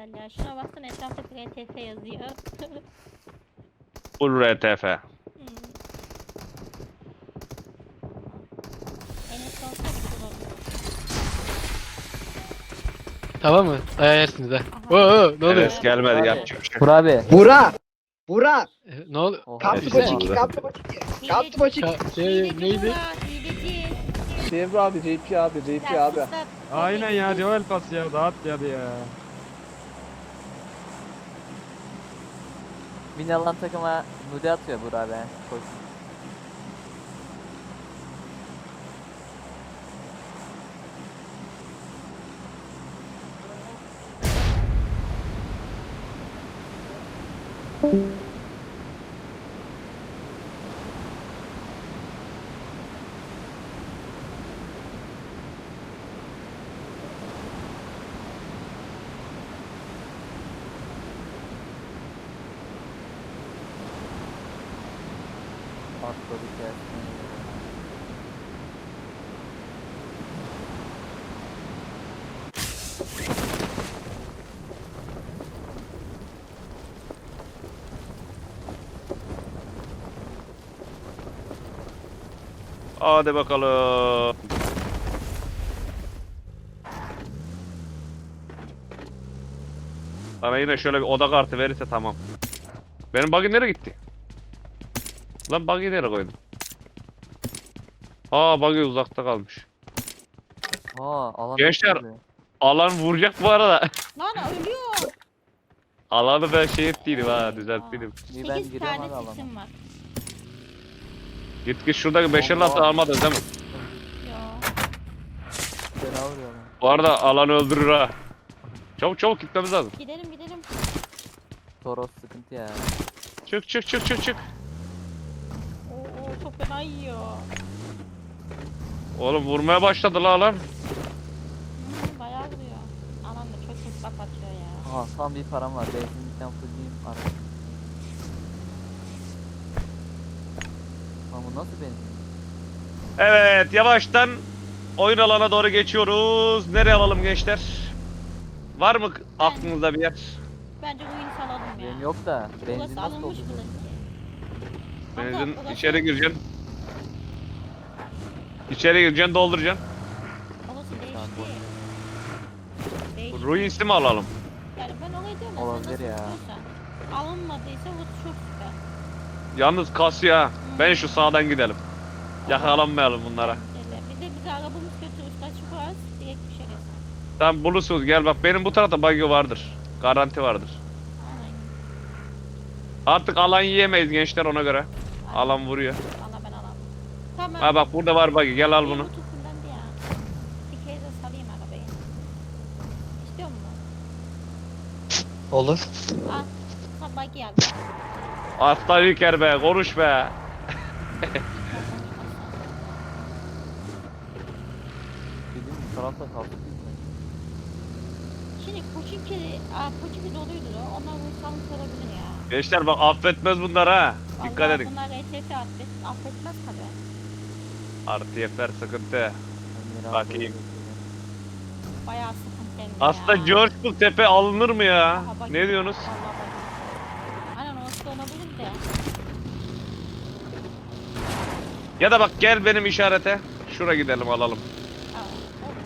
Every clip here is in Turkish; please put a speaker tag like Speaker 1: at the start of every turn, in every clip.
Speaker 1: güzel ya. Şuna baksana etrafta RTF yazıyor.
Speaker 2: Full RTF.
Speaker 1: Enes olsa güzel olur.
Speaker 3: Tamam mı? Ayarsınız ha.
Speaker 1: Aha.
Speaker 3: Ne oluyor?
Speaker 2: Enes gelmedi
Speaker 4: Abi.
Speaker 2: yapacak bir şey.
Speaker 4: Vur abi.
Speaker 5: Bura! Bura!
Speaker 3: Ne oluyor?
Speaker 4: Oha.
Speaker 5: Kaptı
Speaker 2: Neyse,
Speaker 5: boçiki,
Speaker 2: oldu.
Speaker 5: kaptı boçiki. Kaptı boçiki.
Speaker 1: Hileci
Speaker 3: Neydi?
Speaker 1: Burak, hileci.
Speaker 5: Devre abi, JP abi, JP
Speaker 1: Ya
Speaker 5: abi.
Speaker 1: sus lan.
Speaker 6: Aynen ya Joel pas ya dağıt ya ya.
Speaker 4: Mini alan takıma nude atıyor Burak abi. Koş. Atladık ya.
Speaker 2: Hadi bakalım. Bana yine şöyle bir oda kartı verirse tamam. Benim buggy nereye gitti? Lan buggy nereye koydum? Aa buggy uzakta kalmış.
Speaker 4: Alan
Speaker 2: Gençler.
Speaker 4: oluyor.
Speaker 2: Alan vuracak bu arada.
Speaker 1: Lan ölüyor.
Speaker 2: Alanı ben şey ettiydim ha düzelttiydim.
Speaker 4: İyi, ben
Speaker 1: 8
Speaker 4: giriyorum
Speaker 1: tane
Speaker 4: abi alana.
Speaker 1: sisim var.
Speaker 2: Git şuradaki 5'er lafı
Speaker 4: Allah.
Speaker 2: almadın değil mi?
Speaker 1: Yo.
Speaker 4: Fena vuruyor lan.
Speaker 2: Bu arada alanı öldürür ha. Çabuk çabuk gitmemiz lazım.
Speaker 1: Gidelim gidelim.
Speaker 4: Toros sıkıntı ya.
Speaker 2: Çık çık çık çık çık.
Speaker 1: Oo çok fena yiyor.
Speaker 2: Oğlum vurmaya başladı la alan.
Speaker 1: Bayağı vuruyor. Alan da çok çok kapatıyor ya.
Speaker 4: Aha tam bir param var. Benzinlikten fulleyim araç. Ama bu nasıl benzin?
Speaker 2: Evet yavaştan oyun alana doğru geçiyoruz. Nereye alalım gençler? Var mı aklınızda bir yer?
Speaker 1: Bence oyunu salalım ya.
Speaker 4: Benim yok da. Benzin
Speaker 1: Burası
Speaker 4: nasıl
Speaker 1: alınmış
Speaker 4: oldu?
Speaker 1: burası.
Speaker 2: Benzin
Speaker 1: burası-
Speaker 2: içeri gireceksin. İçeri gireceksin dolduracaksın.
Speaker 1: Orası
Speaker 4: Tamam,
Speaker 1: değişti. Değişti.
Speaker 2: Ruins'i mi alalım?
Speaker 1: Yani ben orayı diyorum.
Speaker 4: Olabilir
Speaker 1: Nasıl
Speaker 4: ya.
Speaker 1: istiyorsan. Alınmadıysa bu çok süper.
Speaker 2: Yalnız kasıyor ha. Ben şu sağdan gidelim. Yakalanmayalım bunlara.
Speaker 1: Bir de bize arabamız götürürüz. Kaçı var? Direkt bir şey.
Speaker 2: Tamam bulursunuz gel bak benim bu tarafta buggy vardır. Garanti vardır.
Speaker 1: Aynen.
Speaker 2: Artık alan yiyemeyiz gençler ona göre. Alan vuruyor.
Speaker 1: Allah ben alamam. Tamam.
Speaker 2: Ha bak burada var buggy gel al bunu.
Speaker 1: Bu tutundan ya. Bir kere de salayım arabayı. İstiyor musun?
Speaker 3: Olur.
Speaker 1: Al. Ha bak geldi.
Speaker 2: Aslan İlker be konuş be.
Speaker 4: Bildiğin bu tarafta kaldık biz mi?
Speaker 1: Şimdi Koçinki doluydu da onlar vursanız olabilir ya.
Speaker 2: Gençler bak affetmez bunlar ha. Dikkat
Speaker 1: Vallahi
Speaker 2: edin.
Speaker 1: bunlar RTF affetmez tabi.
Speaker 2: RTF'ler sıkıntı.
Speaker 4: Ömer abi
Speaker 2: Bakayım.
Speaker 4: böyle söylüyor.
Speaker 1: Bayağı sıkıntı hem de
Speaker 2: Aslında
Speaker 1: ya.
Speaker 2: George Bull Tepe alınır mı ya?
Speaker 1: Aha, bak-
Speaker 2: Ne diyorsunuz?
Speaker 1: Vallahi bak. Aynen orası da olabilir de.
Speaker 2: Ya da bak gel benim işarete. Şura gidelim alalım.
Speaker 1: Aa, olur.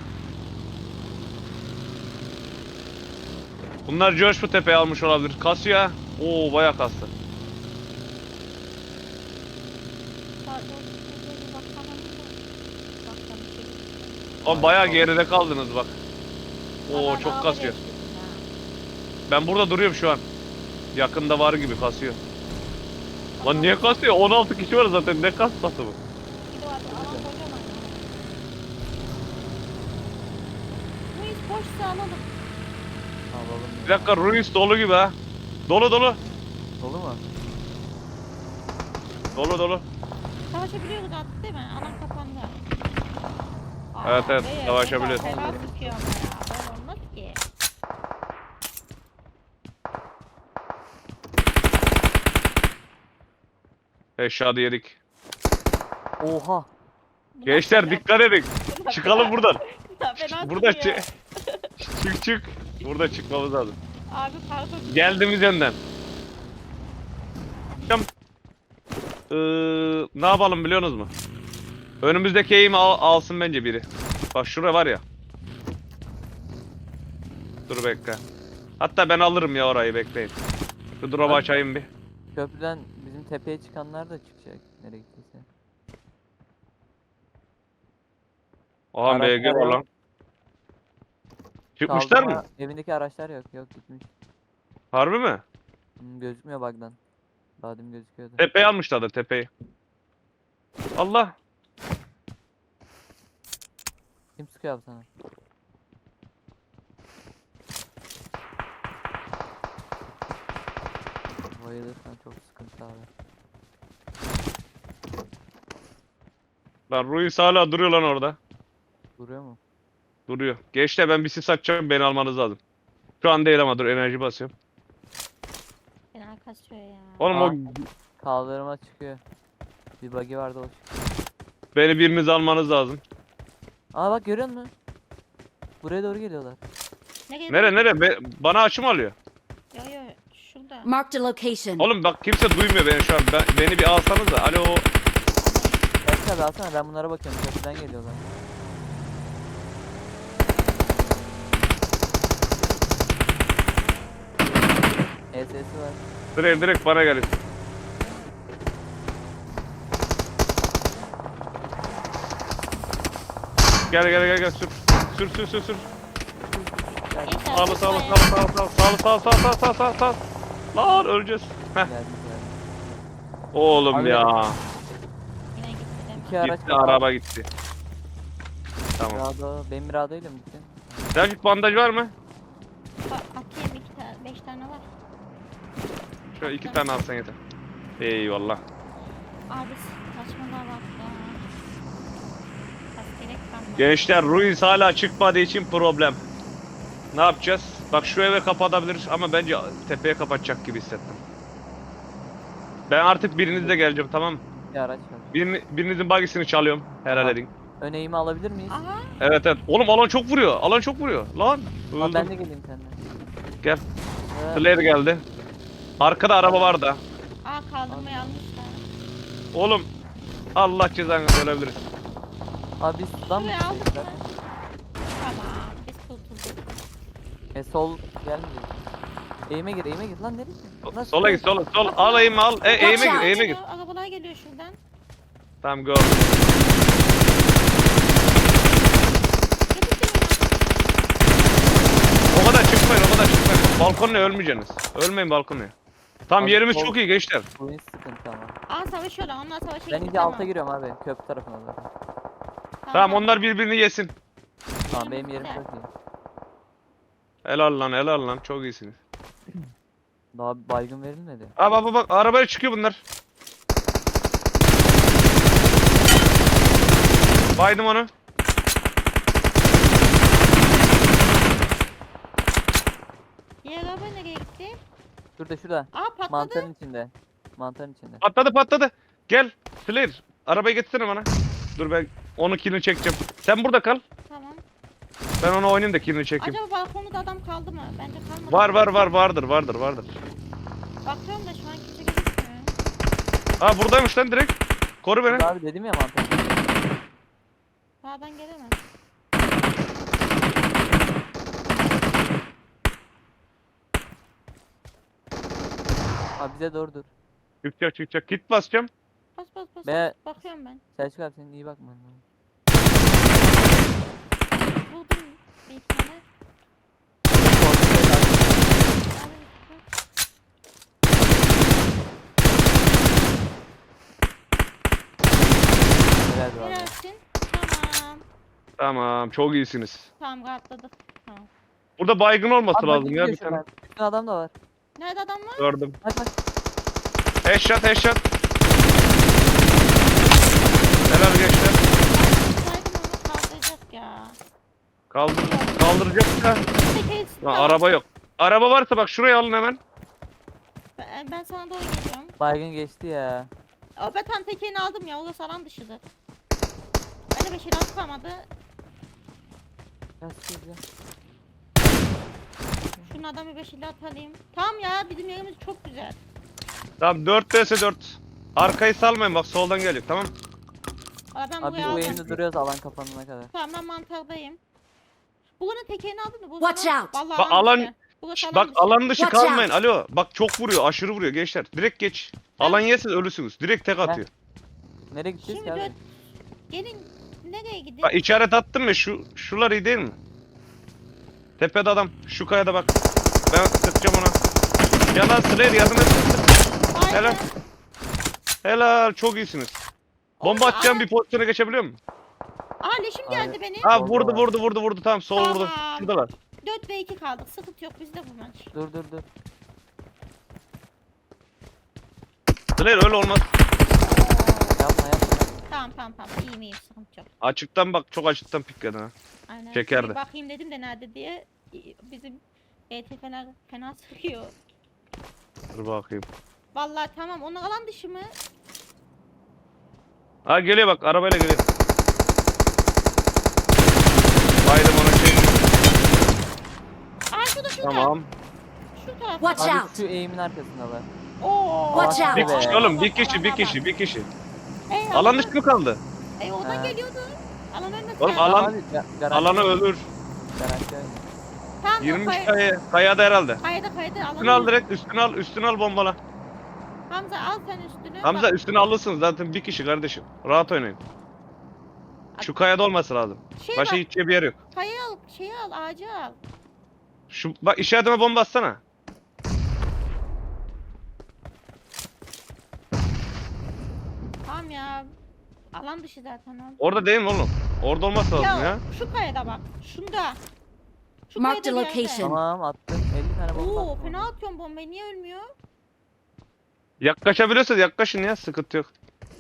Speaker 2: Bunlar George Bull Tepe'yi almış olabilir. Kasıyor ha. Oo bayağı kastı. Ama bayağı geride kaldınız bak. Oo çok kasıyor. Ben burada duruyorum şu an. Yakında var gibi kasıyor. Lan niye kasıyor? 16 kişi var zaten. Ne kasması bu?
Speaker 1: Bu iş boşsa alalım.
Speaker 4: Alalım
Speaker 2: Bir
Speaker 4: ya.
Speaker 2: dakika Ruins dolu gibi ha. Dolu dolu.
Speaker 4: Dolu mu?
Speaker 2: Dolu dolu.
Speaker 1: Savaşabiliyoruz artık değil mi? Alan kapandı.
Speaker 2: Evet, evet,
Speaker 1: be,
Speaker 2: savaşabiliyoruz.
Speaker 1: Fena sıkıyor ama ya. Böyle olmaz ki.
Speaker 2: Eşyadı yedik.
Speaker 4: Oha.
Speaker 1: Bunlar
Speaker 2: Gençler
Speaker 1: fena-
Speaker 2: dikkat edin.
Speaker 1: bunlar
Speaker 2: Çıkalım
Speaker 1: fena-
Speaker 2: buradan.
Speaker 1: bunlar fena
Speaker 2: Burada
Speaker 1: sıkıyor.
Speaker 2: çık çık. Burada çıkmamız lazım.
Speaker 1: Abi pardon.
Speaker 2: Geldiğimiz yönden. Hocam, ne yapalım biliyorsunuz mu? Önümüzdeki eğimi alsın bence biri. Bak şuraya var ya. Dur bekle. Hatta ben alırım ya orayı, bekleyin. Şu drop'u açayım bir.
Speaker 4: Köprüden bizim tepeye çıkanlar da çıkacak. Nereye gittiyse.
Speaker 2: Aha
Speaker 4: Araçlar
Speaker 2: BG var
Speaker 4: yok.
Speaker 2: lan. Çıkmışlar
Speaker 4: Kaldırma-
Speaker 2: mı?
Speaker 4: Evindeki araçlar yok. Yok gitmiş.
Speaker 2: Harbi mi?
Speaker 4: Gözükmüyor bug'dan. Daha demin gözüküyordu.
Speaker 2: Tepeyi almışlardır, tepeyi. Allah.
Speaker 4: Kim sıkıyor abi sana? Bayılırsan çok sıkıntı abi.
Speaker 2: Lan Ruiz hala duruyor lan orada.
Speaker 4: Duruyor mu?
Speaker 2: Duruyor. Gençler ben bir sis açacağım, beni almanız lazım. Şu an değil ama dur, enerji basıyorum.
Speaker 1: Fena kasıyor ya.
Speaker 2: Oğlum o
Speaker 4: Kaldırıma çıkıyor. Bir bug'i vardı o çıkıyor.
Speaker 2: beni biriniz almanız lazım.
Speaker 4: Aa bak görüyor musun? Buraya doğru geliyorlar.
Speaker 2: Nere? Bana açım alıyor.
Speaker 1: Yo yo şurada.
Speaker 7: Marked a location.
Speaker 2: Oğlum bak kimse duymuyor beni şu an. Beni bir alsanız da. Alo.
Speaker 4: Belki abi alsana, ben bunlara bakıyorum. Köprüden geliyorlar. ESS'i var.
Speaker 2: Direkt bana gelin. Gel sür. Sür. Sağ. Lan öleceğiz. Heh.
Speaker 4: Geldi.
Speaker 2: Oğlum
Speaker 4: Abi-
Speaker 2: ya.
Speaker 1: Yine gitti değil mi?
Speaker 4: İki araç
Speaker 2: Gitti,
Speaker 4: var.
Speaker 2: araba gitti. Tamam.
Speaker 4: Mirado. Benim Mirado ile mi gittin?
Speaker 2: Selçuk bandaj var mı?
Speaker 1: Atayım 2 tane 5 tane var.
Speaker 2: Şöyle 2 tane alsan yeter. Eyvallah.
Speaker 1: Abi saçmalığa bak ya. Askerek kalmadı.
Speaker 2: Gençler Ruiz hala çıkmadığı için problem. Ne yapacağız? Bak şu eve kapatabiliriz ama bence tepeye kapatacak gibi hissettim. Ben artık birinizle geleceğim, tamam mı?
Speaker 4: Bir araç var.
Speaker 2: Birinizin bagisini çalıyorum. Helal
Speaker 4: Aha.
Speaker 2: edin.
Speaker 4: Ön eğimi alabilir miyiz?
Speaker 1: Aha.
Speaker 2: Evet. Oğlum alan çok vuruyor. Lan.
Speaker 4: Abi
Speaker 2: Öldüm.
Speaker 4: ben de geleyim seninle.
Speaker 2: Gel.
Speaker 4: Ee,
Speaker 2: Flare geldi. Arkada araba var da.
Speaker 1: Aa kaldırmayı almışlar.
Speaker 2: Oğlum. Allah cezanı ölebiliriz.
Speaker 4: Abi biz sudan mı
Speaker 1: Şuraya aldık
Speaker 4: çıkacaklar?
Speaker 1: mı? Tamam biz kurtulduk.
Speaker 4: Sol gelmeyecek. Eğime gir lan nereye? Lan
Speaker 2: Sola git, sola. Alayım al. Eğime gir.
Speaker 1: Arabalar geliyor şuradan.
Speaker 2: Tamam go.
Speaker 1: Getirdim
Speaker 2: O kadar çıkmayın. Balkonla ölmeyeceksiniz. Ölmeyin balkonla. Tam
Speaker 4: Abi,
Speaker 2: yerimiz
Speaker 4: sol-
Speaker 2: çok iyi gençler.
Speaker 4: Bu iş sıkıntı ama.
Speaker 1: Aa savaşıyorlar onlar savaşa
Speaker 4: Ben
Speaker 1: gitti,
Speaker 4: iyice alta giriyorum abi. Köprü tarafına doğru.
Speaker 2: Tamam onlar birbirini yesin.
Speaker 4: Tamam benim yerim
Speaker 1: güzel.
Speaker 4: çok iyi.
Speaker 2: Helal lan. Çok iyisiniz.
Speaker 4: Daha bir baygın verilmedi.
Speaker 2: Bak arabaya çıkıyor bunlar. Baydım onu.
Speaker 1: Diğer araba nereye gitti?
Speaker 4: Şurada.
Speaker 1: Aa patladı.
Speaker 4: Mantarın içinde. Mantarın içinde.
Speaker 2: Patladı. Gel. Flare. Arabayı getirsene bana. Dur ben onu killini çekeceğim. Sen burada kal.
Speaker 1: Tamam.
Speaker 2: Ben onu oynayayım da killini çekeyim.
Speaker 1: Acaba balkonda adam kaldı mı? Bence kalmadı.
Speaker 2: Vardır.
Speaker 1: Bakıyorum da şu an kimse gözükmüyor.
Speaker 2: Buradaymış lan direkt. Koru beni.
Speaker 4: Burada abi dedim ya mantar.
Speaker 1: Sağdan gelemez.
Speaker 4: Abi bize doğru dur.
Speaker 2: Çıkacak. Git basacağım.
Speaker 1: Bas.
Speaker 4: Be-
Speaker 1: Bakıyorum ben.
Speaker 4: Selçuk abi senin iyi bakman lazım.
Speaker 1: Buldum bir iki tane.
Speaker 4: Helal be abi.
Speaker 1: Helalsin. Tamam.
Speaker 2: Tamam çok iyisiniz.
Speaker 1: Tamam rahatladık. Tamam.
Speaker 2: Burada baygın olması
Speaker 4: Abi
Speaker 2: lazım
Speaker 4: bak
Speaker 2: ya bir
Speaker 4: gidiyor
Speaker 2: tane.
Speaker 4: şuradan. Üstün adam da var.
Speaker 1: Nerede adam var?
Speaker 2: Gördüm.
Speaker 4: Bak.
Speaker 2: Headshot. Helal gençler.
Speaker 1: Saydım onu kaldıracak ya.
Speaker 2: Kaldıracak da.
Speaker 1: Tekeri
Speaker 2: Lan araba yok. Araba varsa bak şuraya alın hemen.
Speaker 1: Ben sana doğru geliyorum.
Speaker 4: Baygın geçti ya.
Speaker 1: Aa, ben tam tekerini aldım ya. Orası alan dışıdır. Ben de 5 kalmadı.
Speaker 4: Ya sıkıntı.
Speaker 1: Şunun adamı 5 ile atalım. Tamam ya bizim yerimiz çok güzel.
Speaker 2: Tamam 4 vs 4. Arkayı salmayın bak soldan geliyor tamam.
Speaker 1: Valla ben
Speaker 4: Abi biz
Speaker 1: buraya
Speaker 4: bu
Speaker 1: aldım.
Speaker 4: eğimde duruyoruz alan kapanana kadar.
Speaker 1: Tamam ben mantardayım. Buranın tekerini aldın mı? Bu
Speaker 7: Watch
Speaker 1: zaman-
Speaker 7: out.
Speaker 1: Vallahi
Speaker 2: Bak,
Speaker 1: alan
Speaker 2: alan-
Speaker 1: dışı. Burası alan
Speaker 2: Bak
Speaker 1: dışı.
Speaker 2: alan dışı
Speaker 7: Watch
Speaker 2: kalmayın. Alo bak çok vuruyor aşırı vuruyor gençler. Direkt geç. Alan yerseniz ölüsünüz. Direkt tek atıyor.
Speaker 4: Nereye gideceğiz
Speaker 1: Şimdi
Speaker 4: ki abi?
Speaker 1: dört. Gelin nereye gidelim?
Speaker 2: Bak işaret attım ya şular iyi değil mi? Tepede adam. Şu kayada bak. Ben sıkacağım ona. Yalan Slayer yardım et.
Speaker 1: Aynen.
Speaker 2: Helal. Helal çok iyisiniz. Bomba
Speaker 1: Oğlum,
Speaker 2: atacağım
Speaker 1: alan-
Speaker 2: bir pozisyona geçebiliyor muyum?
Speaker 1: Aa leşim geldi
Speaker 4: Abi.
Speaker 1: benim.
Speaker 2: Ha
Speaker 4: Oldu
Speaker 2: vurdu
Speaker 4: abi.
Speaker 2: vurdu tamam sol
Speaker 1: Tamam.
Speaker 2: vurdu. Şuradalar.
Speaker 1: 4 ve 2 kaldık. Sıkıntı yok bizde bu maç.
Speaker 4: Dur.
Speaker 2: Slayer öyle olmaz.
Speaker 4: Yapma.
Speaker 1: Tamam. İyiyim sıkıntı yok.
Speaker 2: Açıktan bak çok açıktan pikledin ha.
Speaker 1: Aynen.
Speaker 2: Çekerdi.
Speaker 1: Bir bakayım dedim de nerede diye. Bizim ETF'ler fena sıkıyor.
Speaker 2: Dur bakayım.
Speaker 1: Vallahi tamam onu alan dışı mı?
Speaker 2: Ha geliyor bak arabayla geliyor. Baydım ona şey.
Speaker 1: Aa şurada.
Speaker 2: Tamam.
Speaker 1: Şu tarafta.
Speaker 7: Watch
Speaker 4: Abi
Speaker 7: out.
Speaker 4: şu eğimin arkasındalar.
Speaker 1: Oo.
Speaker 7: Watch out.
Speaker 2: Bir
Speaker 4: Be.
Speaker 2: kişi oğlum bir kişi.
Speaker 1: Ey,
Speaker 2: Alan dışı mı kaldı?
Speaker 1: oradan
Speaker 4: Ha.
Speaker 1: geliyordu. Alan ölmedi.
Speaker 2: Oğlum, alan-
Speaker 4: garanti-
Speaker 2: Alana ölür.
Speaker 4: Garanti oyun.
Speaker 1: Tamam,
Speaker 2: 20 kayada herhalde.
Speaker 1: Kaydı alan.
Speaker 2: Üstünü al direkt üstünü al bombala.
Speaker 1: Hamza al sen üstünü.
Speaker 2: Hamza
Speaker 1: Bak,
Speaker 2: üstünü alırsın zaten bir kişi kardeşim. Rahat oynayın. Şu kayada olması lazım.
Speaker 1: şey
Speaker 2: Başka
Speaker 1: bak,
Speaker 2: gideceği bir yer yok.
Speaker 1: kayayı al, şeyi al, ağacı al.
Speaker 2: Şu bak işaretime bomba atsana.
Speaker 1: Tamam ya. Alan dışı zaten al.
Speaker 2: Orada değil mi oğlum? Orada olması lazım ya.
Speaker 1: Şu kayada bak. Şunda. Şu
Speaker 7: Mark the
Speaker 1: kayada bir yerde.
Speaker 7: location.
Speaker 4: Tamam attım. 50 tane bomba
Speaker 1: Oo
Speaker 4: attım.
Speaker 1: fena atıyorum bombayı niye ölmüyor?
Speaker 2: Yaklaşabiliyorsanız yaklaşın ya sıkıntı yok.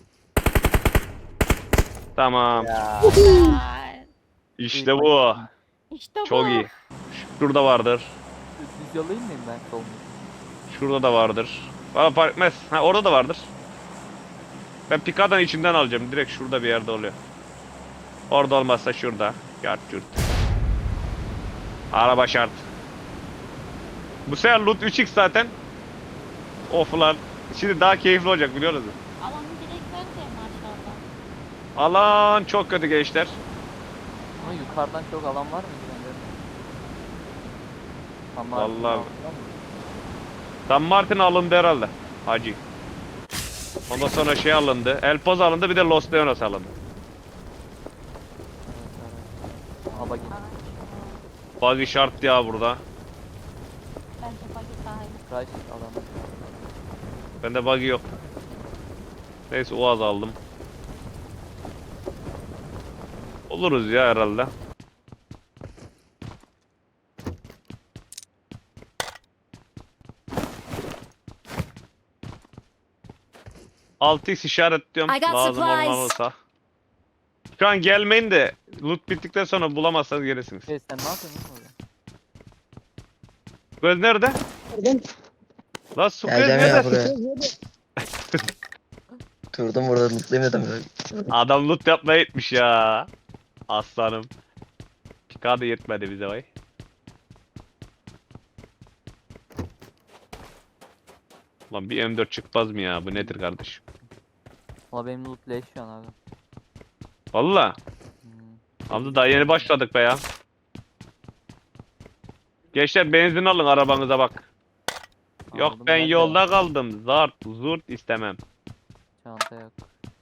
Speaker 2: Tamam.
Speaker 4: Ya.
Speaker 1: Ay,
Speaker 2: İşte bu.
Speaker 1: İşte bu.
Speaker 2: Çok iyi. Şurada vardır.
Speaker 4: Düz yollayayım mıyım ben sol mu?
Speaker 2: Şurada da vardır. Bana fark etmez. Ha orada da vardır. Ben Picard'ın içinden alacağım. Direkt şurada bir yerde oluyor. Orada olmazsa şurada. Yart yurt. Araba şart. Bu sefer loot 3x zaten. Of lan. Şimdi daha keyifli olacak biliyor musunuz?
Speaker 1: Alanı direkt ver de maşallah.
Speaker 2: Alan çok kötü gençler.
Speaker 4: Ama yukarıdan çok alan var mı? Tamam.
Speaker 2: Vallahi. San Martin alındı herhalde. Hacı. Ondan sonra şey alındı. El Poz alındı bir de Los Leonos alındı.
Speaker 4: Ama git.
Speaker 2: Buggy şart ya burada.
Speaker 1: Bence paket daha iyi.
Speaker 4: Crash alan.
Speaker 2: Bende buggy yok. Neyse Uaz aldım. Oluruz ya herhalde. Altı x işaretliyorum
Speaker 7: I got
Speaker 2: lazım
Speaker 7: supplies.
Speaker 2: olmalısa. Şu an gelmeyin de loot bittikten sonra bulamazsanız gelirsiniz.
Speaker 4: Şey sen ne yapıyorsun orada?
Speaker 2: Göz nerede? Lan su göz
Speaker 8: Geleceğim ya
Speaker 2: nerede?
Speaker 8: buraya. Durdum burada mutluyum dedim.
Speaker 2: Adam loot yapmaya gitmiş ya. Aslanım. Çıkardı yetmedi bize vay. Lan bir M4 çıkmaz mı ya? Bu nedir kardeşim?
Speaker 4: Valla benim loot leş şu an abi.
Speaker 2: Valla.
Speaker 4: Hmm.
Speaker 2: Hamza daha yeni başladık be ya. Gençler benzin alın arabanıza bak. Yok
Speaker 4: Aldım
Speaker 2: ben
Speaker 4: de
Speaker 2: yolda kaldım. Zart zurt istemem.
Speaker 4: Çanta yok.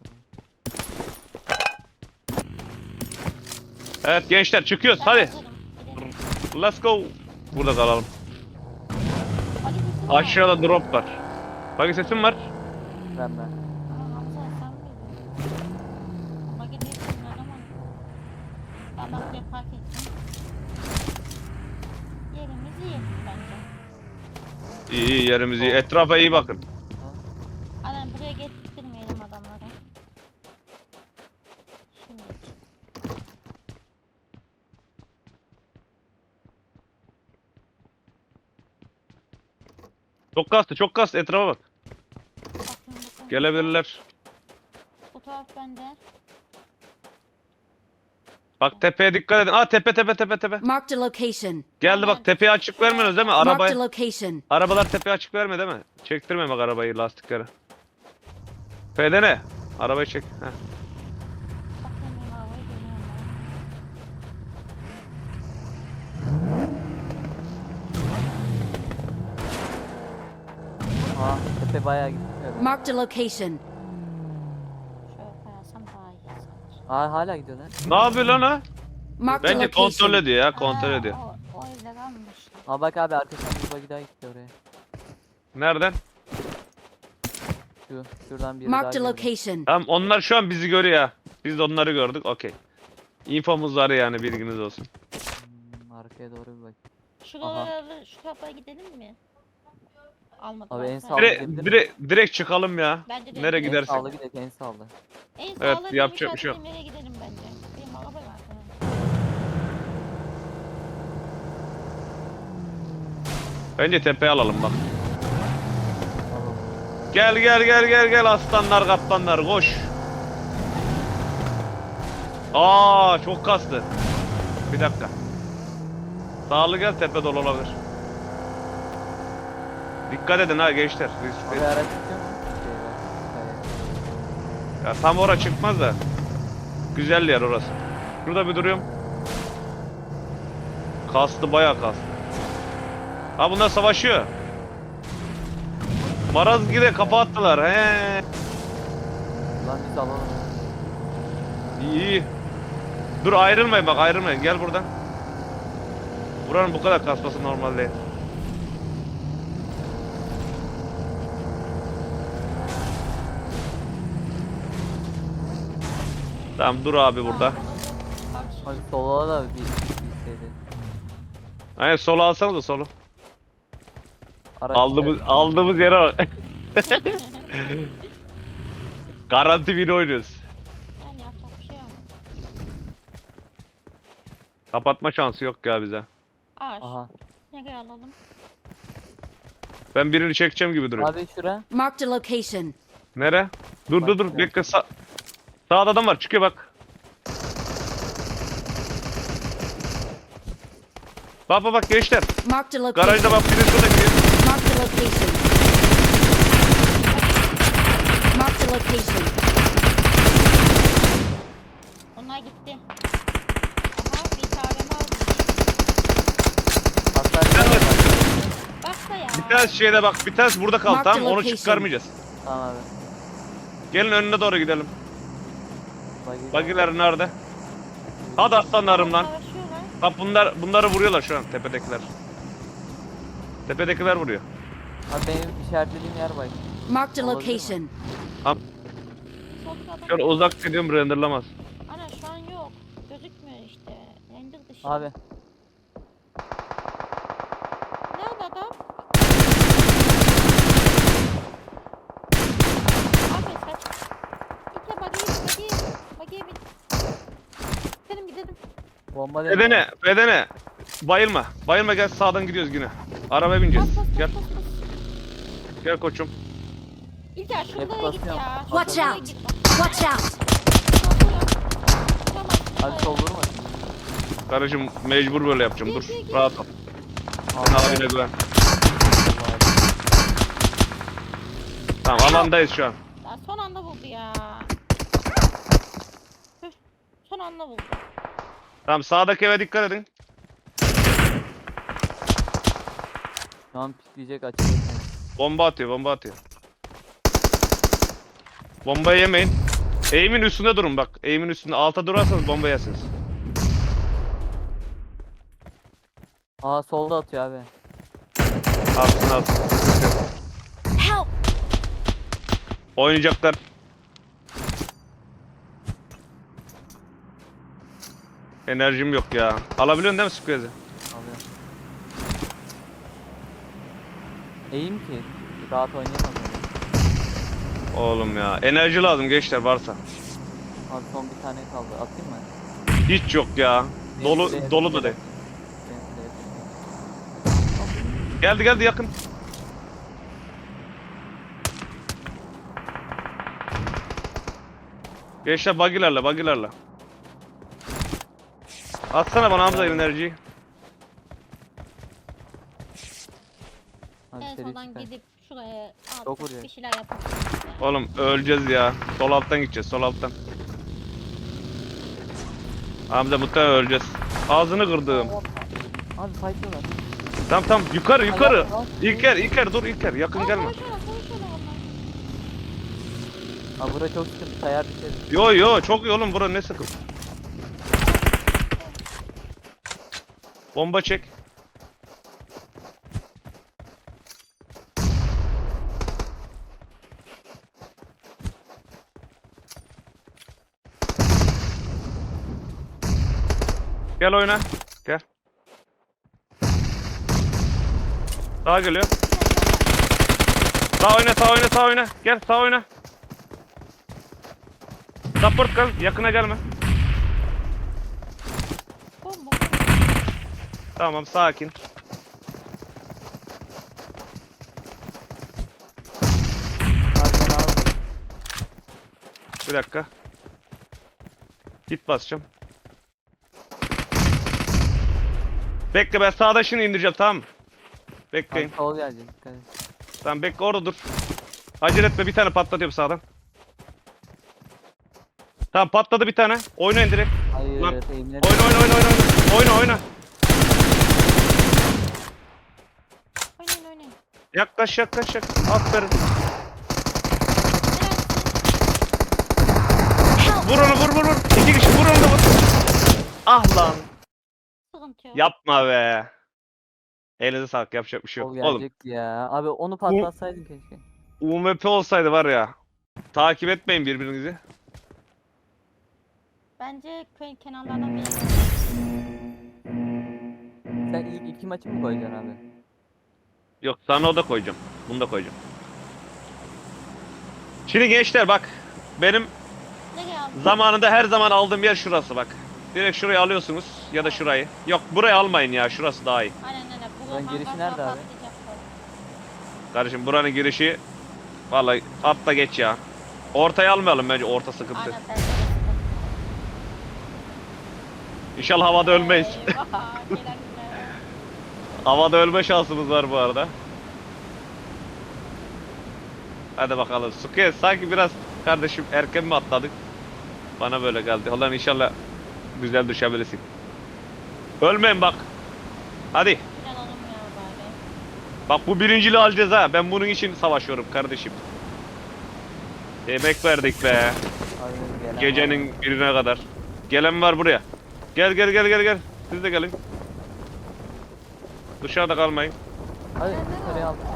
Speaker 2: Evet gençler çıkıyoruz
Speaker 1: Ben
Speaker 2: hadi.
Speaker 1: hazırım, gidelim.
Speaker 2: Let's go. Burada kalalım.
Speaker 1: Hadi gitsin ya.
Speaker 2: Aşağıda drop var. Bak sesim var.
Speaker 4: Ben.
Speaker 1: Aa, Hamza sen miydin? Ama gidiyorsun adamım. Ben buraya park ettim. Yerimiz iyi bence.
Speaker 2: İyi yerimizi etrafa iyi bakın.
Speaker 1: Aynen buraya getirmeyelim adamları. Şimdi.
Speaker 2: Çok kastı etrafa bak.
Speaker 1: Bakın.
Speaker 2: Gelebilirler.
Speaker 1: Bu taraf bende.
Speaker 2: Bak tepeye dikkat edin. Aa tepe.
Speaker 7: Marked a location.
Speaker 2: Geldi bak tepeye açık vermiyorsunuz değil mi?
Speaker 7: Marked a
Speaker 2: Arabayı.
Speaker 7: location.
Speaker 2: Arabalar tepeye açık verme değil mi? Çektirme bak arabayı lastikleri. F'de ne? Arabayı çek. Heh.
Speaker 1: Bakın arabayı görüyorum
Speaker 4: Aa tepe bayağı gitti.
Speaker 7: Marked a location.
Speaker 1: ben. Şöyle koyarsam daha iyi sanki.
Speaker 4: Aa hala gidiyorlar.
Speaker 2: Ne yapıyor lan o?
Speaker 7: Marked a
Speaker 2: Bence kontrol
Speaker 7: location.
Speaker 2: ediyor ya kontrol ediyor.
Speaker 1: O evde kalmış.
Speaker 4: Aa bak abi arkasından bir bagi daha gitti oraya.
Speaker 2: Nereden?
Speaker 4: Şuradan biri
Speaker 7: Marked a
Speaker 4: daha geldi.
Speaker 7: location.
Speaker 2: Tamam onlar şu an bizi görüyor ya. Biz de onları gördük okey. İnfomuz var yani bilginiz olsun.
Speaker 4: Arkaya doğru bir bak.
Speaker 1: Şuraları, şu kapıya gidelim mi? Almadım.
Speaker 4: Abi en
Speaker 1: alsana.
Speaker 4: sağ-
Speaker 2: Direkt çıkalım ya.
Speaker 1: Bence de
Speaker 2: Nereye
Speaker 1: en-
Speaker 4: En
Speaker 2: gidersek.
Speaker 4: sağlı gidelim en sağlı.
Speaker 1: En
Speaker 2: Evet,
Speaker 1: sağlıklı
Speaker 2: yapacak bir şey yok.
Speaker 1: nereye gidelim bence. Benim araba var.
Speaker 2: Bence tepeye alalım bak.
Speaker 4: Alalım.
Speaker 2: Gel aslanlar kaplanlar koş. Aa çok kastı. Bir dakika. Sağlı gel tepe dolu olabilir. Dikkat edin ha gençler.
Speaker 4: Abi
Speaker 2: Riskli.
Speaker 4: araç çıkıyor mu?
Speaker 2: Ya tam oraya çıkmaz da. Güzel yer orası. Şurada bir duruyorum. Kastı bayağı kastı. Ha bunlar savaşıyor. Marazgir'e kafa attılar. He.
Speaker 4: Lan biz alalım.
Speaker 2: İyi. Dur ayrılmayın bak ayrılmayın. Gel buradan. Buranın bu kadar kasması normal değil. Tamam dur abi burada.
Speaker 4: Abi sola da bir şeydi.
Speaker 2: Aynen solu alsanız da solu.
Speaker 4: Araç
Speaker 2: Aldığımız yere bak. Garanti bir oynuyoruz.
Speaker 1: Yani yapacak bir şey yok.
Speaker 2: Kapatma şansı yok ya bize.
Speaker 1: Ağaç.
Speaker 4: Aha.
Speaker 1: Nereye alalım?
Speaker 2: Ben birini çekeceğim gibi duruyor.
Speaker 4: Abi şura.
Speaker 7: Marked a location.
Speaker 2: Nere? Dur bekle sağda adam var çıkıyor bak. Bak gençler.
Speaker 7: Marked a location.
Speaker 2: Garajda bak biri şurada gidiyor.
Speaker 7: Marked a location. Marked a location.
Speaker 1: Onlar gitti. Aha bir tane aldım.
Speaker 4: Hastanede var.
Speaker 1: Bak da ya.
Speaker 2: Bir tanesi şeyde bak bir tanesi burada kaldı
Speaker 7: Mark
Speaker 2: tamam
Speaker 7: the
Speaker 2: mı? Onu
Speaker 7: location.
Speaker 2: çıkarmayacağız.
Speaker 4: Tamam abi.
Speaker 2: Gelin önüne doğru gidelim.
Speaker 4: Bagi-
Speaker 2: Bagiler nerede? Hadi aslanlarım lan.
Speaker 1: Savaşıyorlar.
Speaker 2: Bak bunları vuruyorlar şu an tepedekiler. Tepedekiler vuruyor.
Speaker 4: Abi benim işaretlediğim yer bak.
Speaker 7: Marked a
Speaker 4: Olabilir mi?
Speaker 7: location.
Speaker 1: Soldaki adam.
Speaker 2: Şöyle uzak gidiyorum renderlamaz.
Speaker 1: Ana şu an yok. Gözükmüyor işte. Render dışı.
Speaker 4: Abi.
Speaker 1: Nerede adam? Abi saç. İtle bagiye bin. Gidelim.
Speaker 4: Bomba dedi.
Speaker 2: Bedene. Bayılma gel sağdan gidiyoruz yine. Arabaya bineceğiz. Gel. Gel koçum.
Speaker 1: İlker şuraya git
Speaker 4: basıyorum.
Speaker 1: ya.
Speaker 7: Watch
Speaker 1: Şuraya
Speaker 7: out.
Speaker 1: git bak.
Speaker 7: Watch out.
Speaker 1: Tamam.
Speaker 4: Abi sol vurma.
Speaker 2: Kardeşim mecbur böyle yapacağım dur.
Speaker 1: Gel.
Speaker 2: Rahat ol. Sen abine güven. Tamam alandayız şu an.
Speaker 1: Ya son anda vurdu ya. Tüh, son anda vurdu.
Speaker 2: Tamam sağdaki eve dikkat edin.
Speaker 4: Şu an pikleyecek açılıyor.
Speaker 2: Bomba atıyor. Bombayı yemeyin. Eğimin üstünde durun bak. Eğimin üstünde alta durarsanız bomba yersiniz.
Speaker 4: Aa solda atıyor abi.
Speaker 2: Alsın.
Speaker 7: Help.
Speaker 2: Oynayacaklar. Enerjim yok ya. Alabiliyorsun değil mi Squeeze'i?
Speaker 4: Alıyorum. Eğim ki. Rahat oynayamam.
Speaker 2: Oğlum ya. Enerji lazım gençler varsa.
Speaker 4: Abi son bir tane kaldı. Atayım mı?
Speaker 2: Hiç yok ya. Dolu da değil. Geldi yakın. Gençler bagilerle. Atsana bana Hamza enerjiyi.
Speaker 4: Hadi
Speaker 1: En
Speaker 4: seri
Speaker 1: sondan
Speaker 4: süper.
Speaker 1: gidip şuraya
Speaker 4: Çok
Speaker 1: atıp
Speaker 4: vuruyor.
Speaker 1: bir şeyler yapalım.
Speaker 2: Oğlum öleceğiz ya. Sol alttan gideceğiz, sol alttan. Hamza muhtemelen öleceğiz. Ağzını kırdım.
Speaker 4: Abi fightlıyorlar.
Speaker 2: Tamam yukarı yukarı.
Speaker 4: Ay,
Speaker 2: İlker dur İlker yakın gelme.
Speaker 1: Konuşuyorlar onlar.
Speaker 4: Abi bura çok sıkıntı. Sayar düşeriz.
Speaker 2: Yo çok iyi oğlum bura ne sıkıntı. Bomba çek. Gel oyna. Gel. Sağa geliyor. Sağ oyna. Gel sağ oyna. Support kal. Yakına gelme.
Speaker 1: Bomba.
Speaker 2: Tamam sakin.
Speaker 4: Abi ben aldım.
Speaker 2: Bir dakika. Git basacağım. Bekle ben sağda şimdi indireceğim tamam mı? Bekleyin.
Speaker 4: Abi sol gelecek. Dikkat et.
Speaker 2: Tamam bekle orada dur. Acele etme bir tane patlatıyorum sağdan. Tamam patladı bir tane. Oynayın direkt.
Speaker 4: Hayır.
Speaker 2: Lan,
Speaker 4: Eğimleri.
Speaker 2: Oyna.
Speaker 1: Oynayın.
Speaker 2: Yaklaş. Aferin. Vur onu vur. İki kişi vur onu da vur. Ah lan.
Speaker 1: Sıkıntı yok.
Speaker 2: Yapma be. Elinize sağlık yapacak bir şey
Speaker 4: Sol
Speaker 2: yok. Oğlum
Speaker 4: gelecekti ya. Abi onu patlatsaydın keşke.
Speaker 2: UMP olsaydı var ya. Takip etmeyin birbirinizi.
Speaker 1: Bence köyün kenarlardan bir
Speaker 4: Sen ilk iki maçı mı koyacaksın abi?
Speaker 2: Yok sana o da koyacağım. Bunu da koyacağım. Şimdi gençler bak. Benim
Speaker 1: ne geldi?
Speaker 2: zamanında her zaman aldığım yer şurası bak. Direkt şurayı alıyorsunuz ya da şurayı. Yok burayı almayın ya şurası daha iyi.
Speaker 1: Aynen. Bu
Speaker 4: Lan girişi
Speaker 1: hangarda
Speaker 4: nerede abi?
Speaker 1: patlayacak bu.
Speaker 2: Kardeşim buranın girişi vallahi atla geç ya. Ortayı almayalım bence orta sıkıntı.
Speaker 1: Aynen bence de.
Speaker 2: İnşallah havada ölmeyiz.
Speaker 1: Eyvah, gelen güne.
Speaker 2: Havada ölme şansımız var bu arada. Hadi bakalım. Suke sanki biraz kardeşim erken mi atladık? Bana böyle geldi. Ulan inşallah güzel düşebilirsin. Ölmeyin bak. Hadi.
Speaker 1: Güzel olmuyor bari.
Speaker 2: Bak bu birinciliği alacağız ha. Ben bunun için savaşıyorum kardeşim. Emek verdik be.
Speaker 4: Abi gelen
Speaker 2: Gecenin birine kadar. Gelen var buraya. Gel. Siz de gelin. Dışarıda kalmayın.
Speaker 4: Hadi yukarıya al.
Speaker 1: Oldu.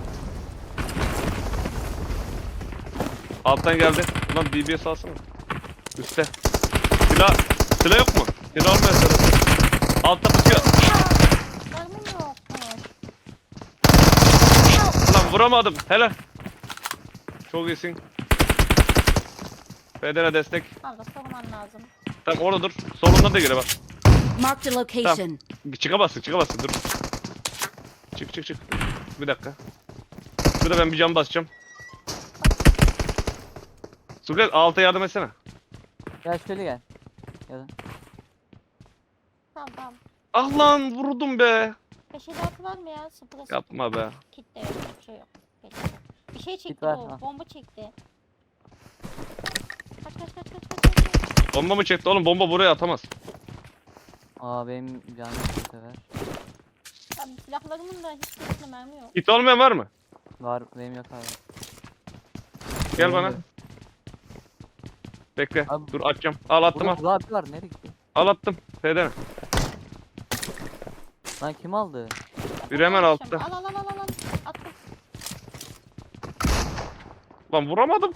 Speaker 2: Alttan geldi. Ulan DBS alsana. Üste. Silah yok mu? Silah olmayan silah. Altta tutuyor.
Speaker 1: Mermim yok.
Speaker 2: Ulan vuramadım. Helal. Çok iyisin. Federe destek.
Speaker 1: Kanka sorman lazım.
Speaker 2: Tamam orada dur. Solundan da gire bak.
Speaker 7: Marked a location.
Speaker 2: Çıkamazsın dur. Çık. Bir dakika. Şurada ben bir cam basacağım. Sukat alta yardım etsene.
Speaker 4: Gel şöyle gel. Ya da.
Speaker 1: Tamam.
Speaker 2: Ah lan vurdum be.
Speaker 1: 556 var mı ya? Sıfır.
Speaker 2: Yapma be.
Speaker 1: Kit de yok. Hiçbir şey yok. Geçti. Bir şey çekti
Speaker 4: ver,
Speaker 1: bu.
Speaker 4: ha.
Speaker 1: Bomba çekti. Kaç.
Speaker 2: Bomba mı çekti oğlum? Bomba buraya atamaz.
Speaker 4: Aa benim canım bu sefer.
Speaker 1: Abi silahlarımın da hiçbirisinde mermi yok.
Speaker 2: Hit olmayan var mı?
Speaker 4: Var benim yok abi.
Speaker 2: Gel
Speaker 4: Benim
Speaker 2: bana.
Speaker 4: de.
Speaker 2: Bekle.
Speaker 4: Abi-
Speaker 2: Dur atacağım. Al attım al.
Speaker 4: Burada abi var nereye gitti?
Speaker 2: Al attım. Fedene.
Speaker 4: Lan kim aldı?
Speaker 2: Bir hemen altta.
Speaker 1: Al. Attım.
Speaker 2: Lan vuramadım.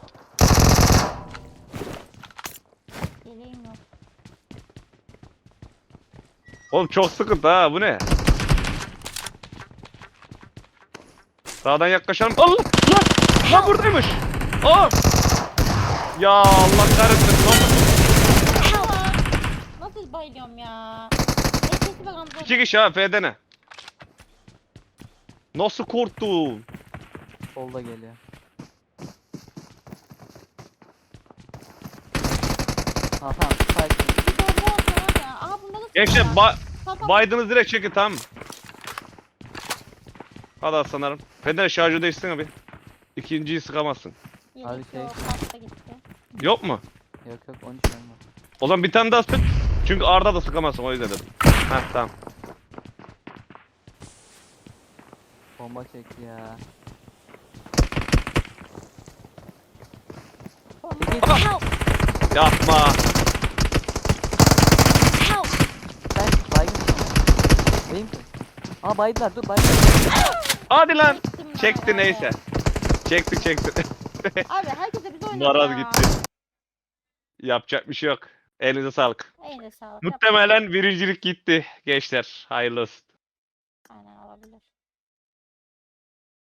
Speaker 1: Yeleğim yok.
Speaker 2: Oğlum çok sıkıntı ha bu ne? Sağdan yaklaşalım. Allah! Lan buradaymış. Aa! Ya Allah kahretsin.
Speaker 1: Nasıl bayılıyorum ya? Nefesi bak Hamza.
Speaker 2: İki kişi ha F'dene. Nasıl korktun?
Speaker 4: Solda geliyor. Ha tamam. Fight.
Speaker 1: Bir bomba olsa var ya. Aha bunda da
Speaker 2: Gençler
Speaker 1: Tamam.
Speaker 2: Biden'ı direkt çekin, tamam mı? Hadi aslanlarım. Feder şarjı değişsin abi. İkinciyi sıkamazsın.
Speaker 4: Hadi
Speaker 1: Yedek
Speaker 4: şey.
Speaker 1: yok, pasta gitti.
Speaker 2: Yok mu?
Speaker 4: Yok yok 13 tane var.
Speaker 2: O zaman bir tane daha sık. Çünkü Arda da sıkamazsın, o yüzden dedim. Heh, tamam.
Speaker 4: Bomba çekti ya.
Speaker 1: Help!
Speaker 2: Yapma.
Speaker 1: Help!
Speaker 4: Sen baygın. Değil mi? Aa baydılar dur baydılar.
Speaker 2: Hadi lan.
Speaker 1: Çektim ben
Speaker 2: Çekti
Speaker 1: abi.
Speaker 2: neyse. Çekti.
Speaker 1: Abi herkese biz oynuyoruz
Speaker 2: Maraz
Speaker 1: ya.
Speaker 2: gitti. Yapacak bir şey yok. Elinize sağlık.
Speaker 1: Eline sağlık.
Speaker 2: Muhtemelen birincilik gitti gençler. Hayırlı olsun.